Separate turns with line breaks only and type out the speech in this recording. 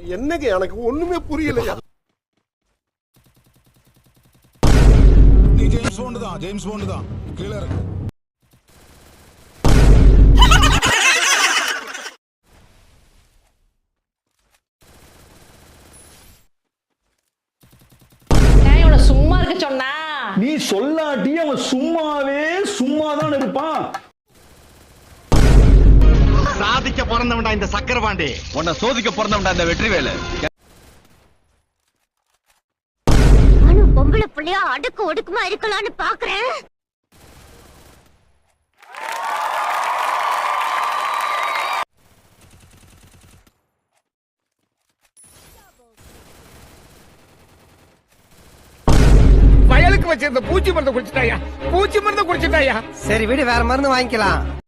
என்னங்க எனக்கு ஒண்ணுமே புரியலையா?
நீ ஜேம்ஸ் பாண்ட் தான் கீழ இருக்கு.
சும்மா இருக்க சொன்னா
நீ சொல்லாட்டி அவன் சும்மாதான் இருப்பான்.
சாதிக்க பிறந்தவன்டா இந்த சக்கரபாண்டி, உன்னை சோதிக்க பிறந்தவன்டா இந்த வெற்றிவேலு.
பொம்பளை புள்ளையா அடுக்கு ஒடுக்குமா இருக்கலாம்னு பாக்குறேன்.
வயலுக்கு வச்சிருந்த பூச்சி மருந்து குடிச்சிட்டாயா? சரி விடு, வேற மருந்து வாங்கிக்கலாம்.